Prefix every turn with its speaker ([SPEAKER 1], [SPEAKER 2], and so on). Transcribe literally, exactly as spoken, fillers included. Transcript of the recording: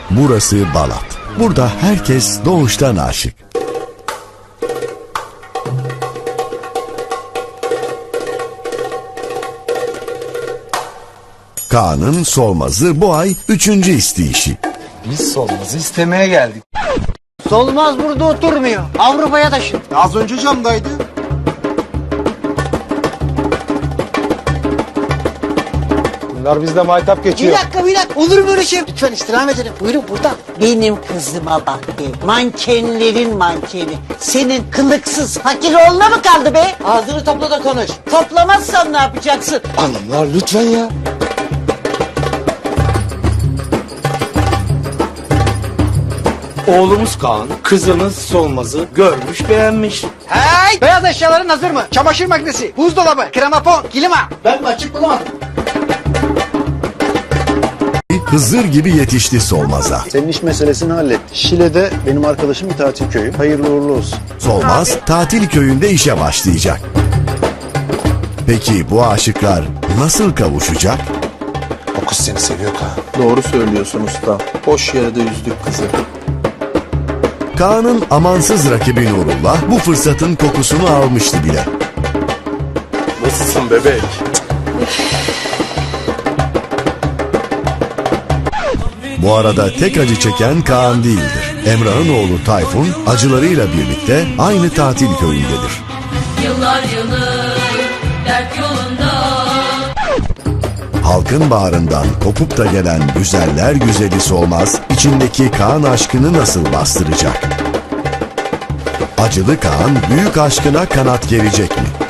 [SPEAKER 1] Burası Balat. Burada herkes doğuştan aşık. Kaan'ın Solmaz'ı bu ay üçüncü isteyişi.
[SPEAKER 2] Biz Solmaz'ı istemeye geldik.
[SPEAKER 3] Solmaz burada oturmuyor. Avrupa'ya taşın.
[SPEAKER 2] Az önce camdaydı. Bunlar bizde maytap
[SPEAKER 3] Bir
[SPEAKER 2] geçiyor.
[SPEAKER 3] dakika bir dakika. Olur mu öyle şey? Lütfen istirham edelim. Buyurun buradan. Benim kızıma bak be. Mankenlerin mankeni. Senin kılıksız fakir oğluna mı kaldı be? Ağzını topla da konuş. Toplamazsan ne yapacaksın?
[SPEAKER 2] Hanımlar lütfen ya. Oğlumuz Kaan, kızımız Solmaz'ı görmüş beğenmiş.
[SPEAKER 3] Hey! Beyaz eşyaların hazır mı? Çamaşır makinesi, buzdolabı, kremapon, klima. Ben mi açık bulamadım?
[SPEAKER 1] Hızır gibi yetişti Solmaz'a.
[SPEAKER 4] Senin iş meselesini hallettik. Şile'de benim arkadaşım bir tatil köyü. Hayırlı uğurlu olsun.
[SPEAKER 1] Solmaz tatil köyünde işe başlayacak. Peki bu aşıklar nasıl kavuşacak?
[SPEAKER 2] O kız seni seviyor Kaan.
[SPEAKER 4] Doğru söylüyorsun usta. Boş yere de üzdük kızı.
[SPEAKER 1] Kaan'ın amansız rakibi Nurullah bu fırsatın kokusunu almıştı bile.
[SPEAKER 4] Nasılsın bebek?
[SPEAKER 1] Bu arada tek acı çeken Kaan değildir. Emrah'ın oğlu Tayfun acılarıyla birlikte aynı tatil köyündedir.
[SPEAKER 5] Yıllar yılı dert yolunda.
[SPEAKER 1] Halkın bağrından kopup da gelen güzeller güzeli Solmaz içindeki Kaan aşkını nasıl bastıracak? Acılı Kaan büyük aşkına kanat gerecek mi?